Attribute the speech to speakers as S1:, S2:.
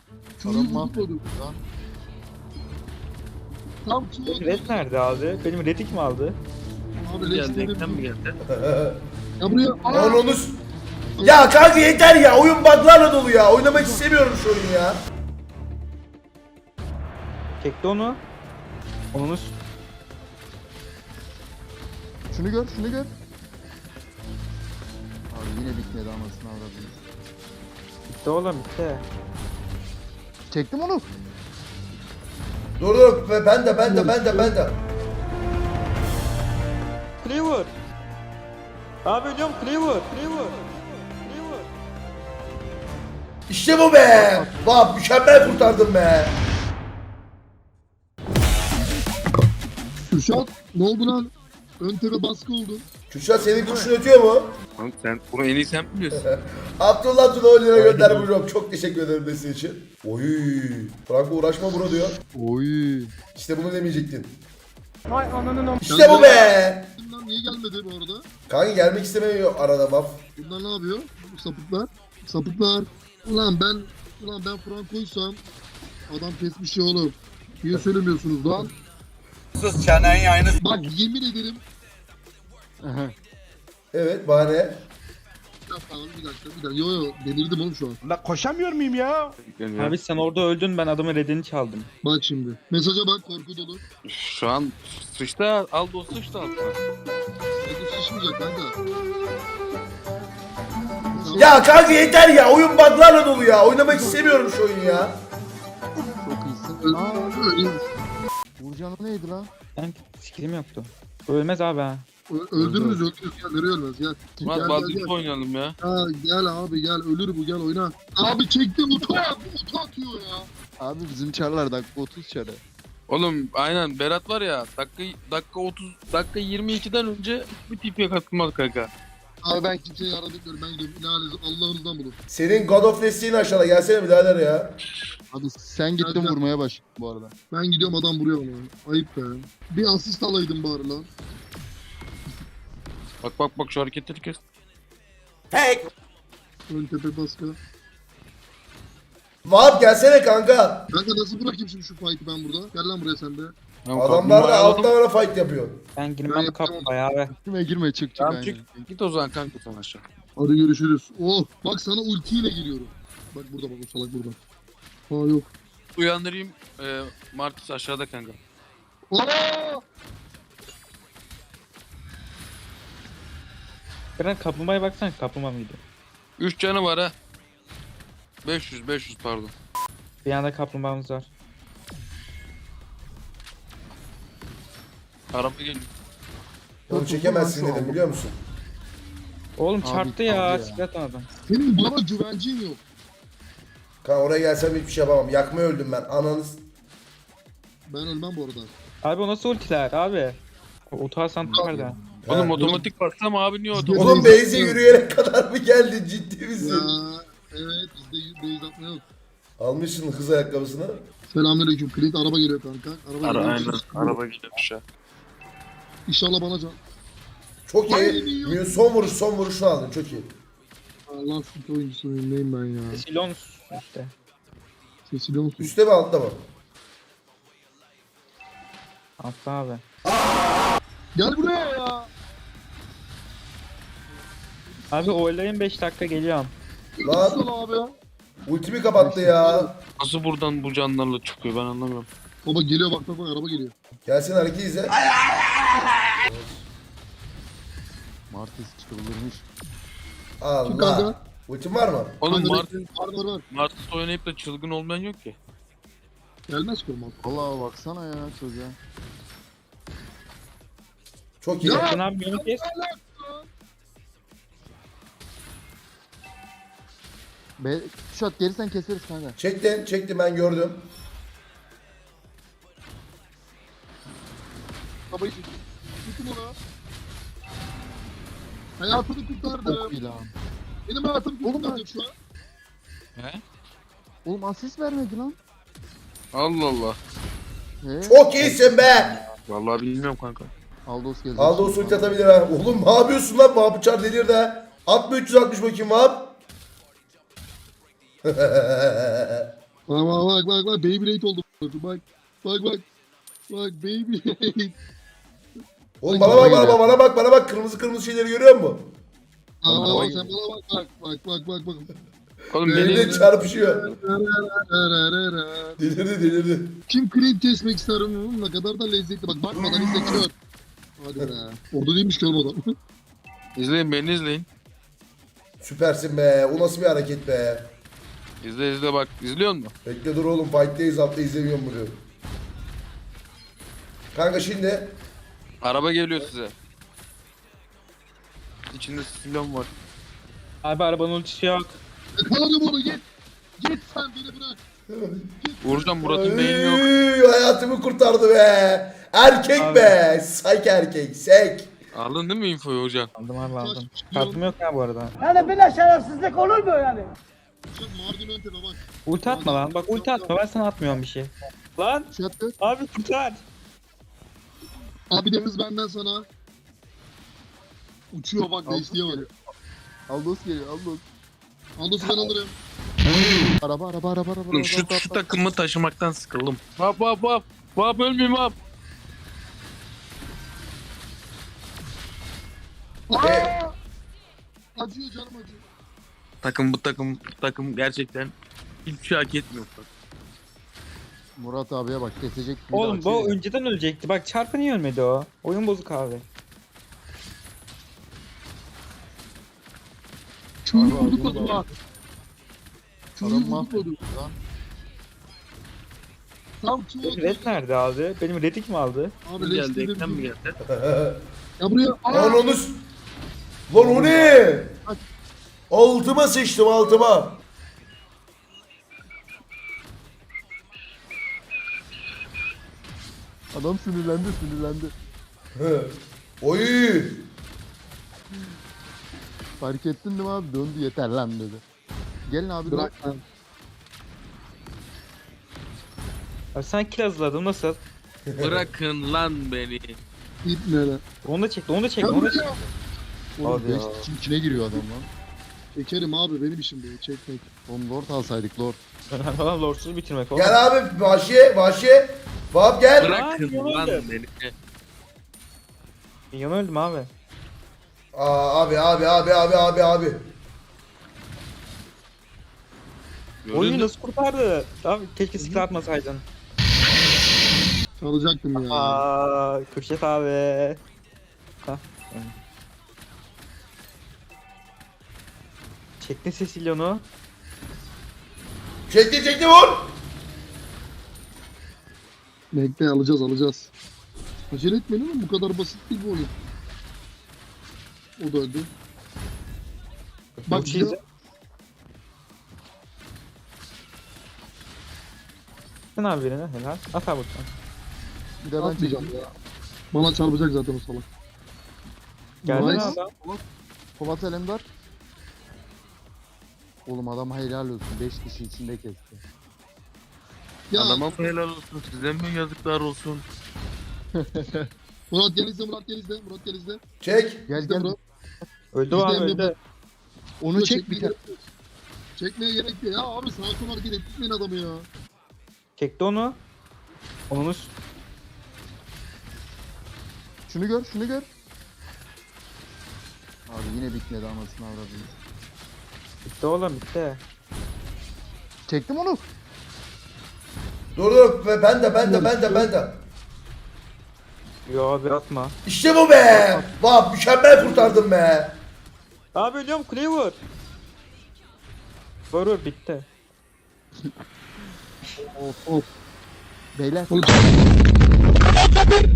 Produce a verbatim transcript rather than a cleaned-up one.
S1: Köyü
S2: Adam
S1: vurmadım.
S2: Lan
S1: Tam
S3: Benim
S1: ki
S3: red nerede abi? Benim redi kim aldı?
S1: abi
S4: Geldi,
S1: leşleri
S4: ekran mı geldi?
S1: Ya buraya
S5: Lan onu... s- Ya kanka yeter ya. Oyun bug'larla dolu ya. Oynamak istemiyorum şu oyunu ya.
S3: Çekti onu. Onu
S2: şunu gör, şunu gör. Abi yine bitmedi anasını avradım.
S3: bitti oğlum bitti.
S2: Çektim onu.
S5: Dur dur. Ve Ben de ben de ben de ben de.
S3: Cleaver. Abi ölüyorum Cleaver. Cleaver. Cleaver.
S5: İşte bu be. Bak mükemmel kurtardım be.
S1: Kürşat ne oldu lan? Ön tepe baskı oldu.
S5: Kürşat senin kuşun ötüyor mu?
S4: Lan sen bunu en iyi sen biliyorsun.
S5: Abdullah Tuna on lira göndermiş hocam. Çok teşekkür ederim desteği için. Oy. Franco uğraşma bro diyor.
S2: Oy.
S5: İşte bunu demeyecektin.
S3: Vay ananın am.
S5: İşte bu be.
S1: Bunlar niye gelmedi bu arada?
S5: Kanka gelmek istemiyor arada baf.
S1: Bunlar ne yapıyor? Bu sapıklar. Sapıklar. Ulan ben ulan ben Franco'ysam adam kesmiş ya oğlum. Niye söylemiyorsunuz lan?
S6: Sus çeneyi aynı.
S1: Bak yemin ederim.
S5: Evet bahane.
S1: Ya tamam bir dakika bir dakika. Yo yo delirdim oğlum şu an.
S6: La koşamıyor muyum ya?
S4: Yani
S3: Abi sen orada öldün ben adamın redini çaldım.
S1: Bak şimdi. Mesaja bak korku dolu.
S4: şu an sıçta Aldo sıçta altına.
S1: Korku şişmeyecek kanka.
S5: Ya kanka yeter ya. Oyun bug'larla dolu ya. Oynamak istemiyorum şu oyunu ya.
S2: Çok iyisin.
S1: Öyle-
S2: Aa,
S1: öyle-
S2: Burcan'ı neydi lan?
S3: Ben skillim yoktu. Ölmez abi ha.
S1: Ö- Öldürürüz öldürürüz gel nereye ölmez gel. Gel
S4: Lan
S1: gel
S4: Valdir'i
S1: gel.
S4: oynayalım ya.
S1: Ha, gel abi gel ölür bu gel oyna. Abi çektim utu at utu atıyor ya.
S2: Abi bizim çarlar dakika otuz çarı.
S4: Oğlum aynen Berat var ya dakika dakika otuz dakika yirmi ikiden önce bir tipiye katılmaz kanka.
S1: Abi ben kimseye yardım etmiyorum ben gidiyorum. İlahi Allah'ınızdan bulun.
S5: Senin God of desteğini aşağıda. Gelsene birader ya.
S2: Abi sen gittin
S1: Gel, gel.
S2: vurmaya başladın bu arada.
S1: Ben gidiyorum adam vuruyor bana. Ayıp be. Bir asist alaydım bari lan.
S4: Bak bak bak şu hareketleri kes.
S5: Tek.
S1: Ön tepe baskı.
S5: Vahap gelsene kanka.
S1: Kanka nasıl bırakayım şimdi şu fight'ı ben burada? Gel lan buraya sen de.
S4: Tamam,
S5: Adamlar da
S4: kaplumbağayı
S5: alttan
S4: alalım.
S5: ara fight yapıyor.
S3: Ben
S1: Ben
S3: girmem
S1: yapacağım
S3: kapmaya abi.
S2: Girme girme çık çık
S4: Tamam
S2: aynen.
S4: çık. Git o zaman kanka sen aşağı.
S1: Hadi görüşürüz. Oh bak sana ultiyle geliyorum. Bak burada bak o salak burada. Aa yok.
S4: Uyandırayım. E, Martis aşağıda kanka.
S1: Aa!
S3: Beren kaplumbağaya baksana kaplumbağa mıydı?
S4: üç canı var ha. beş yüz beş yüz pardon.
S3: Bir yanda kaplumbağamız var.
S4: Araba geliyor.
S5: Onu çekemezsin dedim biliyor musun?
S3: Oğlum
S2: Abi,
S3: çarptı
S2: abi
S3: ya.
S2: ya.
S3: Silah adam.
S1: Senin bana güvencin yok.
S5: Kanka oraya gelsem hiçbir şey yapamam. Yakmaya öldüm ben. Ananız.
S1: Ben ölmem bu arada.
S3: Abi o nasıl ultiler abi? O otoasan nerede?
S4: Oğlum
S5: Ha.
S4: otomatik baksam abi niye otomatik?
S5: Oğlum Beyze yürüyerek kadar mı geldin? Ciddi
S1: Ya
S5: misin?
S1: evet bizde base atma yok.
S5: Almışsın hız ayakkabısını.
S1: Selamünaleyküm. Clint araba geliyor kanka. Araba
S4: Ara,
S1: geliyor.
S4: aynen. Araba gidiyormuş ya.
S1: İnşallah bana can.
S5: Çok
S1: Ay,
S5: iyi.
S1: iyi.
S5: Mü- Son vuruş son vuruşunu aldın. Çok iyi.
S1: Allah süt oyuncusu neyim ben ya.
S3: Silon işte.
S1: Sesili olsun.
S5: Üste mi altta mı?
S3: Altta abi.
S1: Gel buraya ya.
S3: Abi oylayın beş dakika geliyorum.
S5: Lan
S1: Nasıl abi?
S5: ultimi kapattı ya.
S4: Nasıl buradan bu canlarla çıkıyor ben anlamıyorum.
S1: Baba geliyor bak bak bak araba geliyor.
S5: Gelsin hareket izle.
S2: Martis çıldırmış.
S1: Kim
S5: Allah.
S1: kanka?
S5: Ultim var mı?
S4: Oğlum
S1: Kanka,
S4: Martis,
S1: Var var var.
S4: Martis oynayıp da çılgın olmayan yok ki.
S1: Gelmez ki olmaz.
S2: Vallahi baksana ya çocuğa.
S5: Çok iyi.
S1: Ya!
S3: Sen abi beni kes.
S2: Be Kuşat gelirsen keseriz kanka.
S5: Çektin, çektim ben gördüm.
S1: Babayı çek. Tutun onu. Hayatını kurtardı.
S2: Çok iyi lan.
S1: Benim hayatımı kurtardı şu an.
S4: He?
S2: Oğlum asist vermedi lan.
S4: Allah Allah.
S2: He?
S5: Çok iyisin be.
S4: Vallahi bilmiyorum kanka.
S2: Aldos gelecek.
S5: Aldı o ulti atabilir ha. Oğlum ne yapıyorsun lan? Vahap uçar delir de. Atma üç yüz altmış bakayım Vahap.
S1: Bak bak bak bak bak Beyblade oldu. Bak bak bak. Bak Beyblade.
S5: Oğlum bana bak bana bak bana bak bana bak kırmızı kırmızı şeyleri görüyor musun?
S1: Aa bak sen bana bak bak bak bak bak bak.
S4: Oğlum
S5: Elinde
S4: benim
S5: çarpışıyor. Delirdi delirdi.
S1: Kim krep kesmek ister onun ne kadar da lezzetli. Bak bakmadan izle kör. Hadi be. Orada değilmiş ki oğlum adam.
S4: izleyin beni izleyin.
S5: Süpersin be. O nasıl bir hareket be.
S4: İzle izle bak. İzliyor musun?
S5: Bekle dur oğlum fight'teyiz altta izlemiyorum bunu. Kanka şimdi
S4: Araba geliyor size. İçinde silon var.
S3: Abi arabanın ultisi yok.
S1: Yakaladım onu git. Git sen beni bırak.
S4: Uğurcan Murat'ın beyni yok.
S5: Ay, hayatımı kurtardı be. Erkek
S3: Abi.
S5: be. Sayk erkek. Sek.
S4: Aldın değil mi infoyu Uğurcan?
S3: Aldım abi aldım. Kartım yok ya bu arada.
S7: Yani böyle şerefsizlik olur mu yani?
S1: Sen Mardin ön tepe bak.
S3: Ulti atma lan. Bak ulti atma. Ben sana atmıyorum bir şey. Lan
S1: Şey yaptı.
S3: abi kurtar.
S1: Abi de hız benden sana. Uçuyor bak değiştiğe bak.
S2: Aldos geliyor Aldos.
S1: Andos'u ben alırım.
S2: Araba araba araba araba.
S4: Oğlum şu, şu takımı taşımaktan sıkıldım. Vap vap vap. Vap ölmeyeyim vap.
S1: Aa! Acıyor canım acıyor.
S4: Takım bu takım bu takım gerçekten hiçbir şey hak etmiyor.
S2: Murat abiye bak kesecek. bir
S3: Oğlum
S2: daha
S3: bu
S2: şey.
S3: önceden ölecekti. Bak çarpı niye ölmedi o? Oyun bozuk abi.
S1: Köyü
S2: Abi,
S1: vurduk
S2: abi,
S1: lan.
S2: abi.
S1: Köyü
S2: Adam
S1: vurduk
S2: mahvoldu
S1: lan.
S2: lan.
S1: Tam köy
S3: Benim red nerede abi? Benim redik mi aldı?
S1: Abi
S4: Geldi
S1: leşleri
S4: ekran mı
S1: bir-
S4: geldi?
S1: Ya buraya.
S5: Lan
S1: Aa!
S5: onu... s- Lan o ne? Altıma sıçtım altıma.
S2: Adam sinirlendi sinirlendi.
S5: Hı. Oy.
S2: Fark ettin değil mi abi? Döndü yeter lan dedi. Gelin abi
S1: Bırak
S2: dur.
S1: lan.
S3: Abi sen kill hazırladın nasıl?
S4: Bırakın lan beni.
S1: İp ne lan?
S3: Onu da çekti, onu da çekti,
S1: Ya
S3: onu da
S1: buraya.
S3: çekti.
S2: Oğlum
S3: Hadi ya.
S2: beş kişinin içine giriyor adam lan.
S1: Çekerim abi benim işim bu. Çekmek.
S2: Oğlum lord alsaydık lord.
S3: Falan lordsuz bitirmek oğlum.
S5: Gel abi Vahşi Vahşi. Vahap gel.
S4: Bırakın
S3: Lan,
S4: lan
S3: öldüm.
S4: beni.
S3: Yan öldüm abi.
S5: Aa, abi abi abi abi abi abi.
S3: Oyunu
S4: Gördün mü?
S3: nasıl kurtardı? Abi keşke skill atmasaydın.
S1: Çalacaktım ya.
S3: Aa, Kürşet abi. Hah. Çektin Cecilion'u.
S5: Çekti çekti vur.
S1: Bekle alacağız alacağız. Acele etmeyin ama bu kadar basit değil bu oyun. O da öldü. Bak
S3: Ulti
S1: bir de-
S3: izle. Sen abi birine helal. At abi buradan.
S2: Bir de ben
S1: Atmayacağım
S2: çekeyim.
S1: ya. Bana çarpacak zaten o salak.
S3: Geldi mi
S1: Nice.
S3: adam?
S2: Polat Alemdar. Oğlum adam helal olsun. beş kişi içinde kesti.
S1: Ya
S4: Adama mı helal olsun size mi yazıklar olsun.
S1: Murat gel izle Murat gel izle Murat gel izle.
S5: Çek.
S2: Gel
S1: İzle
S2: gel.
S1: Murat.
S3: Öldü o abi
S1: İzleyen bir
S3: öldü.
S2: Onu çek bir
S1: Çekmeye
S2: tane.
S1: gerek yok. Çekmeye gerek yok. Ya abi sağa sola hareket etmeyin adamı ya.
S3: Çekti onu. Onu s-
S2: Şunu gör şunu gör. Abi yine bitmedi anasını avradını.
S3: bitti oğlum bitti.
S2: Çektim onu.
S5: Dur dur Ve ben de ben de ben de ben de.
S3: Yo abi atma.
S5: İşte bu be. Vah mükemmel kurtardım be.
S3: Abi ölüyorum kuleyi vur. Vur vur bitti.
S2: Of of. Beyler.
S1: Oğlum